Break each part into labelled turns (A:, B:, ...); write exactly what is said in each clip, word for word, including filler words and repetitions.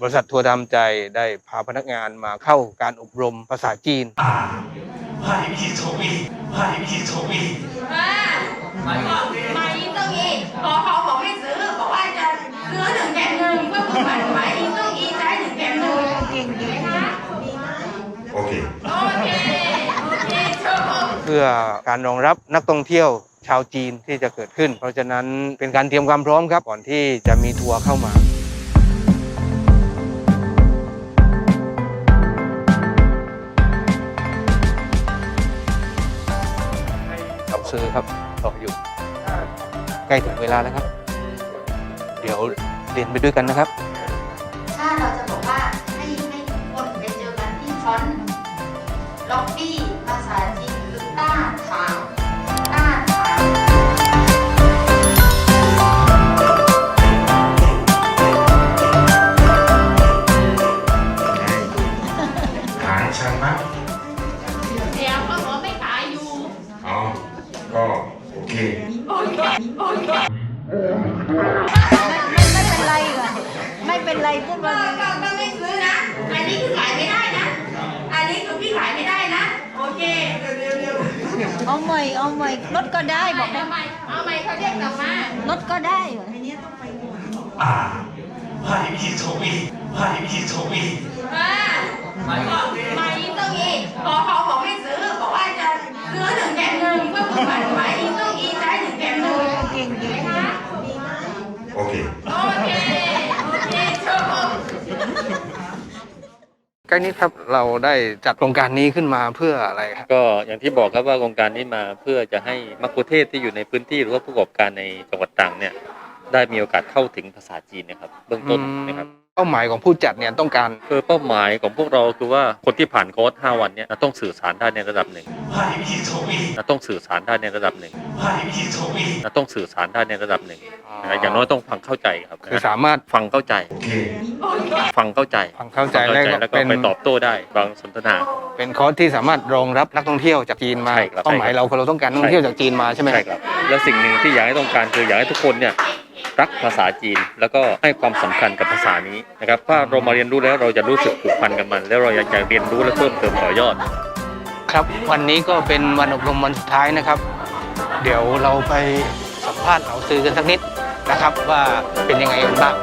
A: บริษัททัวร์ทำใจได้พาพนักงานมาเข้าการอบรมภาษาจีน
B: 派一从一，派一从一。啊，马马一送一，ขอขอผมไม่ซื้อบอกว่าจะซื้อหนึ่งแถมหนึ่งเพื่อผู้ผ่านหมายอี送一ใช้หนึ่งแถมหนึ่งเก่งดีนะโอเคโอเคโอเคเพื่อการรองรับนักท่องเที่ยวชาวจีนที่จะเกิดขึ้นเพราะฉะนั้นเป็นการเตรียมความพร้อมครับก่อนที่จะมีทัวร์เข้ามาซื้อครับรออยู่ใกล้ถึงเวลาแล้วครับเดี๋ยวเรียนไปด้วยกันนะครับ
C: ถ้าเราจะบอกว่าให้ให้ทุกคนไปเจอกันที่ฟอนต์ล็อบบี้ภาษาจีนคือต้าถางต้าถาง
B: ขายช่างมั้ง
C: เดี๋ยวเขาบอกไม่ขายอยู่
B: อ๋อก็โอเคโอเคโอเค
C: ไม่เป็นไรค่ะไม่เป็นไรพูดว่าก็ก็ไม่ซื้อนะอันนี้คือขายไม่ได้นะอันนี้คือพี่ขายไม่ได้นะโอเคเร็วๆเอาใหม่เอาใหม่ลดก็ได้บอกได้ไหมเอาใหม่เขาเรียกกลับมาลดก็ได้เหรอทีนี้ต้องไป
B: อ่า派一从一派一从一
C: อ่ามาอี送一ขอขอผมไม่ซื้อบอกว่าจะซื้อหนึ่งแถมหนึ่งเพื่อผู้ผ่านหมายอี送一ใช้หนึ่งแถมหนึ่งเก่งดีนะ
B: โอเค
C: โอเคโอเคชม
A: ใกล้นี้ครับเราได้จัดโครงการนี้ขึ้นมาเพื่ออะไรครับ
D: ก็อย่างที่บอกครับว่าโครงการนี้มาเพื่อจะให้มัคคุเทศก์ที่อยู่ในพื้นที่หรือว่าผู้ประกอบการในจังหวัดตรังเนี่ยได้มีโอกาสเข้าถึงภาษาจีนนะครับเบื้องต้นนะครับ
A: เป้าหมายของผู้จัดเนี่ยต้องการ
D: คือเป้าหมายของพวกเราคือว่าคนที่ผ่านโค้ชห้าวันเนี่ยต้องสื่อสารได้ในระดับหนึ่งต้องสื่อสารได้ในระดับหนึ่งต้องสื่อสารได้ในระดับหนึ่งอย่างน้อยต้องฟังเข้าใจครับ
A: คือสามารถ
D: ฟังเข้าใจฟังเข้าใจ
A: ฟังเข้าใจ
D: แล้วก็ไปตอบโต้ได้บางสนทนา
A: เป็นคอร์สที่สามารถรองรับนักท่องเที่ยวจากจีนมาเป้าหมายเราคือเราต้องการนักท่องเที่ยวจากจีนมาใช่ไหม
D: ใช่ครับและสิ่งหนึ่งที่อยากให้ต้องการคืออยากให้ทุกคนเนี่ยรักภาษาจีนแล้วก็ให้ความสำคัญกับภาษานี้นะครับถ้าเรามาเรียนรู้แล้วเราจะรู้สึกผูกพันกับมันแล้วเราอยากจะเรียนรู้และเพิ่มเติมต่อยอด
A: ครับวันนี้ก็เป็นวันอบรมวันสุดท้ายนะครับเดี๋ยวเราไปสัมภาษณ์เหล่าซื้อกันสักนิดนะครับว่าเป็นยังไงกันบ้าง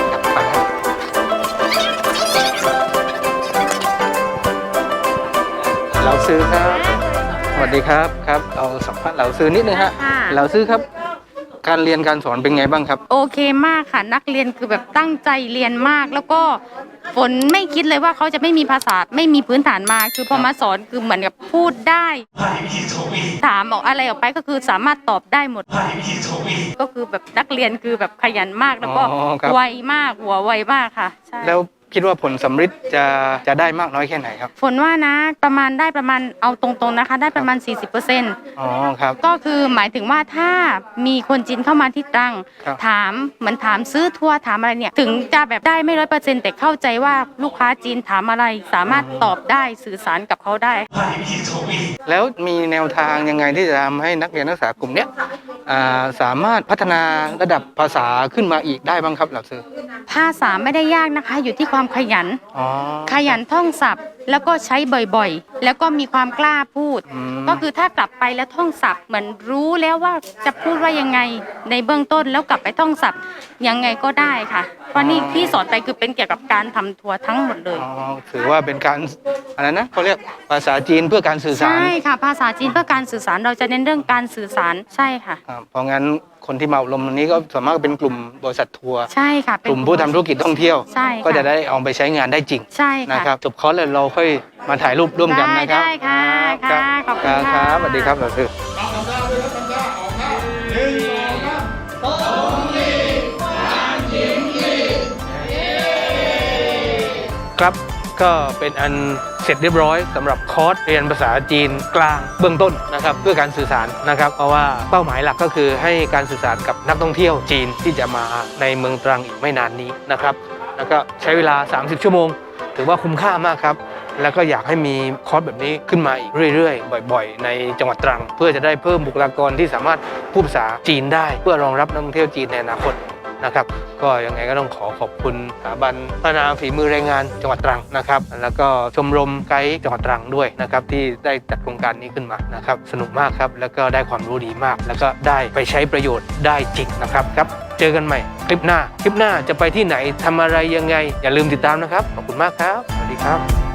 A: เราซื้อครับสวัสดีครับครับเอาสัมภาษณ์เหล่าซื้อนิดนึงฮะเหล่าซื้อครับการเรียนการสอนเป็นไงบ้างครับ
E: โอเคมากค่ะนักเรียนคือแบบตั้งใจเรียนมากแล้วก็ฝนไม่คิดเลยว่าเขาจะไม่มีภาษาไม่มีพื้นฐานมาคือพอมาสอนคือเหมือนกับพูดได้ถามออกอะไรออกไปก็คือสามารถตอบได้หมดก็คือแบบนักเรียนคือแบบขยันมากแล้วก็ไวมากหัวไวมากค่ะใช่
A: แล้วคิดว่าผลสำฤทธิ์จะจะได้มากน้อยแค่ไหนครับ
E: ฝนว่านะประมาณได้ประมาณเอาตรงๆนะคะได้ประมาณ สี่สิบเปอร์เซ็นต์
A: อ๋อครับ
E: ก็คือหมายถึงว่าถ้ามีคนจีนเข้ามาที่ตรังถามเหมือนถามซื้อทัวร์ถามอะไรเนี่ยถึงจะแบบได้ไม่ร้อยเปอร์เซ็นต์แต่เข้าใจว่าลูกค้าจีนถามอะไรสามารถตอบได้สื่อสารกับเขาได้
A: แล้วมีแนวทางยังไงที่จะทำให้นักเรียนนักศึกษากลุ่มเนี้ยสามารถพัฒนาระดับภาษาขึ้นมาอีกได้บ้างครับหลักสูตร
E: ภาษาไม่ได้ยากนะคะอยู่ที่ความขยันขยันท่องศัพท์แล้วก็ใช้บ่อยๆแล้วก็มีความกล้าพูดก็คือถ้ากลับไปแล้วท่องศัพท์เหมือนรู้แล้วว่าจะพูดว่ายังไงในเบื้องต้นแล้วกลับไปท่องศัพท์ยังไงก็ได้ค่ะเพราะนี่ที่สอนไปคือเป็นเกี่ยวกับการทำทัวร์ทั้งหมดเลย
A: ถือว่าเป็นการอะไรนะเขาเรียกภาษาจีนเพื่อการสื่อสาร
E: ใช่ค่ะภาษาจีนเพื่อการสื่อสารเราจะเน้นเรื่องการสื่อสารใช่ค่ะ
A: เพราะงั้นคนที่มาอบรมตรงนี้ก็ส่วนมากเป็นกลุ่มบริษัททัวร์
E: ใช่ค่ะ
A: กลุ่มผู้ทำธุรกิจท่องเที่ยวก็จะได้เอาไปใช้งานได้จริง
E: ใช่
A: นะครับจบคอร์สเลยเราค่อยมาถ่ายรูปร่วมกันนะครับ
E: ได้ค่ะค่ะขอบคุณ
A: ค่ะสวัสดีครับเราคือครับก็เป็นอันเสร็จเรียบร้อยสำหรับคอร์สเรียนภาษาจีนกลางเบื้องต้นนะครับเพื่อการสื่อสารนะครับเพราะว่าเป้าหมายหลักก็คือให้การสื่อสารกับนักท่องเที่ยวจีนที่จะมาในเมืองตรังอีกไม่นานนี้นะครับแล้วก็ใช้เวลาสามสิบชั่วโมงถือว่าคุ้มค่ามากครับแล้วก็อยากให้มีคอร์สแบบนี้ขึ้นมาอีกเรื่อยๆบ่อยๆในจังหวัดตรังเพื่อจะได้เพิ่มบุคลากรที่สามารถพูดภาษาจีนได้เพื่อรองรับนักท่องเที่ยวจีนในอนาคตนะครับก็ยังไงก็ต้องขอขอบคุณสถาบันพัฒนาฝีมือแรงงานจังหวัดตรังนะครับแล้วก็ชมรมไกด์จังหวัดตรังด้วยนะครับที่ได้จัดโครงการนี้ขึ้นมานะครับสนุกมากครับแล้วก็ได้ความรู้ดีมาก แล้วก็ได้ไปใช้ประโยชน์ได้จริงนะครับครับเจอกันใหม่คลิปหน้าคลิปหน้าจะไปที่ไหนทำอะไรยังไงอย่าลืมติดตามนะครับขอบคุณมากครับสวัสดีครับ